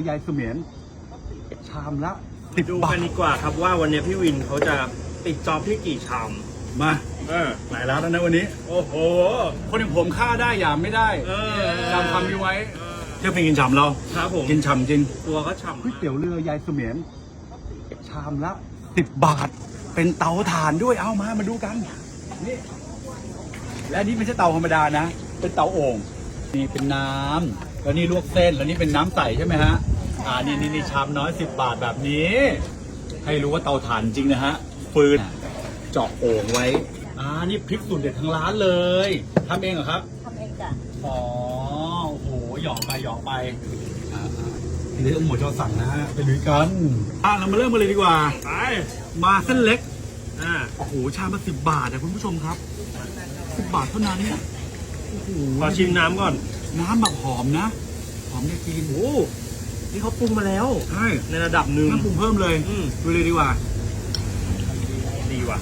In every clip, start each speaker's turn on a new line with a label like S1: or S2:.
S1: ยายเสมียนชามละ
S2: ดู
S1: 10 บา
S2: กั
S1: ท
S2: นดีกว่าครับว่าวันนี้พี่วินเขาจะติดจอบที่กี่ชาม
S1: มา
S2: เออ
S1: หลายร้านแล้วนะวันนี้
S2: โอ้โห
S1: คนอย่างผมฆ่าได้หยามไม่ได้
S2: เออ
S1: จำคำนี้ไว้เที่ยวเป็นกินฉ่ำเรา
S2: ครับผม
S1: กินฉ่ำจริง
S2: ตัวก็ฉ่ำ
S1: ก๋วยเตี๋ยวเรือยายเสมียนชามละ10 บาท เป็นเตาถ่านด้วยเอามาดูกันนี่และนี่ไม่ใช่เตาธรรมดานะ เป็นเตาโอ่งนี่เป็นน้ำแล้วนี่ลวกเส้นแล้วนี่เป็นน้ำใสใช่ไหมฮะนี่ชามน้อย10 บาทแบบนี้ ให้รู้ว่าเตาถ่านจริงนะฮะฟืนเจาะโอ่งไว้นี่พริกสูตรเด็ดทางร้านเลยทำเองเหรอครับ
S3: ทำเองจ้ะ
S1: อ๋อโอ้โหหยอกไปทีนี้ต้องหมดจะสั่งนะฮะไปลุยกันเรามาเริ่มกันเลยดีกว่า
S2: ไป
S1: มาเส้นเล็ก
S2: อ่า
S1: โอ้โหชามละ10 บาทนะคุณผู้ชมครับ10 บาทเท่านั้นเนี่ยโอ้โห
S2: ขอชิมน้ำก่อน
S1: น้ำแบบหอมนะหอมได้กิน
S2: โอ้นี่เขาปรุงมาแล้ว
S1: ใช่
S2: ในระดับหนึ่ง
S1: น้ำปรุงเพิ่มเลย
S2: อืม
S1: ดูเลยดีกว่า
S2: ดีว่ะ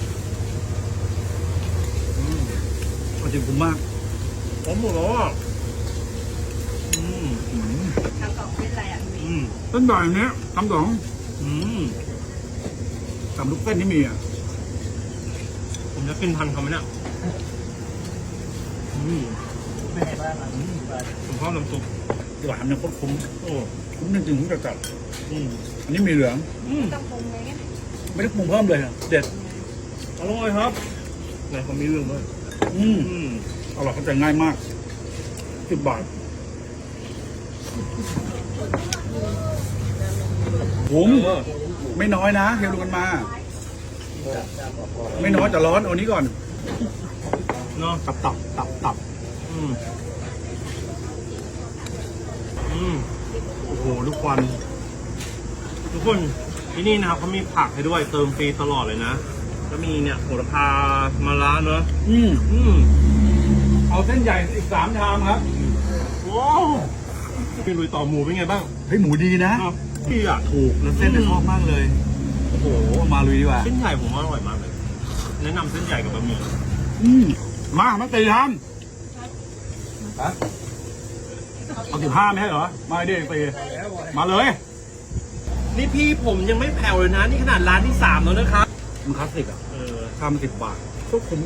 S1: จริงคุ้มมาก
S2: ผมหมดแล้วอ่ะอืม
S3: ทำกล่องเป็นอะไรอ่ะพี่
S2: อืม
S1: เส้นใหญ่เนี้ยทำสอง
S2: อืม
S1: สามลูกเส้นที่มีอ่ะ
S2: ผมจะกินทันเขาไหมเนี่ยอืมผมชอบน้ำซุป
S1: หวานเนี่ยโคตรคุ้ม
S2: โอ้
S1: คุ้มจริงๆคุ้มจัด
S2: อืม
S1: ๆอันนี้มีเหลือง
S2: อืม
S3: ต้องปรุงเลยไง
S1: ไม่ได้ปรุงเพิ่มเลยอะเด็ด
S2: อร่อยครับไหนเขามีเรื่องด้วย
S1: อืม
S2: อืม
S1: อร่อยเข้าใจง่ายมาก10 บาทคุ้ม
S2: เออ
S1: ไม่น้อยนะเฮียดูกันมา ไม่น้อยแต่ร้อนเอานี้ก่อน
S2: เนาะ
S1: ตับ
S2: อืมอืม
S1: โอ้โหลูกควัน
S2: ทุกคนที่นี่นะครับเขามีผักให้ด้วยเติมฟรีตลอดเลยนะก็มีเนี่ยโหระพามะระเนอะ
S1: อืม
S2: อืม
S1: เอาเส้นใหญ่อีก3 ชามครับ
S2: ว้าวพี่ลุยต่อหมูเป็นไงบ้าง
S1: เฮ้ยหมูดีนะ
S2: ครับพี่อ่ะ
S1: ถูกแล้วเส้นเนี่ยชอบมากเลย โอ้โหมาลุยดีกว่า
S2: เส้นใหญ่ผมว่าอร่อยมากเลย แนะนำเส้นใหญ่กับบะหมี่
S1: มาตีทำเอา15ไม่ใช่เหรอมาดิตีมาเลย
S2: นี่พี่ผมยังไม่แผ่วเลยนะ นี่ขนาดร้านที่3แล้วนะครับ
S1: มันคลาสสิกอ่ะ
S2: เออ
S1: ชาม10 บาทก็คุ้ม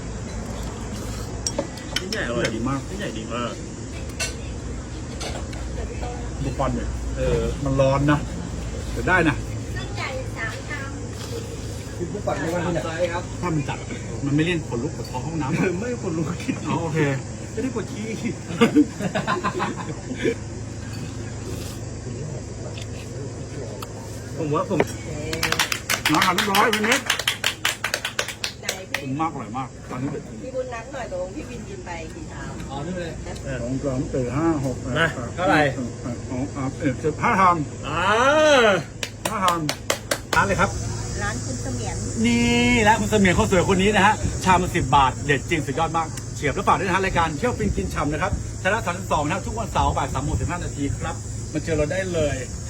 S2: เส้นใหญ่อร่อย
S1: ดีมาก
S2: เส้นใหญ่ดีมาก
S1: ดูควันเนี่ย
S2: เออ
S1: มันร้อนนะแต่ได้นะ
S3: เส้นใหญ่3 ชาม
S1: ถ้ามันจัดมันไม่เลี่ยนขนลุกขนท้องห้องน้ำ
S2: ไม่คนรู้คิด
S1: อ๋อโอเค
S2: ไม่ได้ปวดขี้ ผมว่าผม
S1: น้ำหั่นเรียบร้อยเป็นเม็ด
S3: ไหน
S1: คุ้
S3: พี่
S1: มมากอร่อยมากตอนนี้เด็ด
S3: พี่บุญนัดหน่อยตรงพี่วินกินไปกี่ชาม
S1: 2 3 4 5 6
S2: นะเท่าไหร่
S1: 15 ชาม
S2: อ่า
S1: 5 ชามร้านเลยครับ
S3: ร้านคุณเสมียน
S1: นี่และคุณเสมียนคนสวยคนนี้นะฮะชามละ10 บาทเด็ดจริงสุดยอดมากเฉียบแล้วฝากด้วยนะฮะรายการเที่ยวฟินกินฉ่ำนะครับชนะ32นะครับทุกวันเสาร์บ่าย3:15 นาทีครับมาเจอเราได้เลย